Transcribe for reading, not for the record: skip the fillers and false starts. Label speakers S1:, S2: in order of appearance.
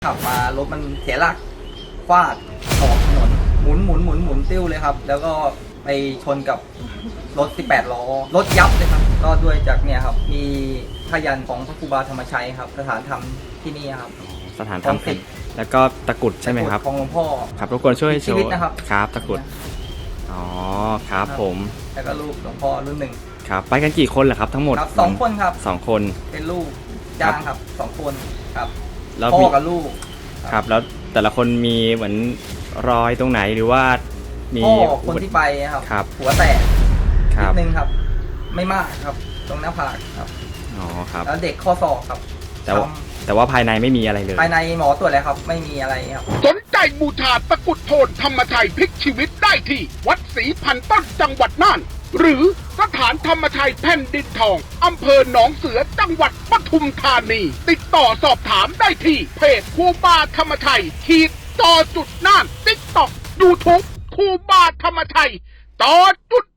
S1: ขับมารถมันเสียหลักฟาดออกถนนหมุนติ้วเลยครับแล้วก็ไปชนกับรถ18 ล้อรถยับเลยครับก็ด้วยจากเนี่ยครับมีพยัญชนะของพระครูบาธรรมชัยครับสถานธรรมที่นี่ครับ
S2: สถานธรรมแล้วก็ตะกุดใช่ไหมครับ
S1: ของหลวงพ่อ
S2: ครับรบกวนช่วยโช
S1: ชีวิต
S2: ว์
S1: นะครับ
S2: ครับตะกุดอ๋อครับผม
S1: แล้วก็ลูกหลวงพ่อรุ่นหนึ่ง
S2: ครับไปกันกี่คนเหรอครับทั้งหมด
S1: ครับ2 คนครับ
S2: 2 คน
S1: เป็นลูกจ้างครับ2 คนครับ
S2: แล้ว
S1: พ่อกับลูก
S2: ครับแล้วแต่ละคนมีเหมือนรอยตรงไหนหรือว่ามี
S1: พ่อคนที่ไปครับหัวแตกนิดนึงครับไม่มากครับตรงหน้าผากครับ
S2: อ๋อครับ
S1: แล้วเด็กข้อศอกครับ
S2: แต่ว่าภายในไม่มีอะไรเลย
S1: ภายในหมอตรวจแล้วครับไม่มีอะไรครับ
S3: สนใจบูชาตะกุดโทนธรรมชัยพลิกชีวิตได้ที่วัดศรีพันต้นจังหวัดน่านหรือสถานธรรมชัยแผ่นดินทองอำเภอหนองเสือจังหวัดปทุมธานีติดต่อสอบถามได้ที่เพจครูบาธรรมชัยจอจุดน่านติ๊กต็อกยูทูบครูบาธรรมชัยจอจุด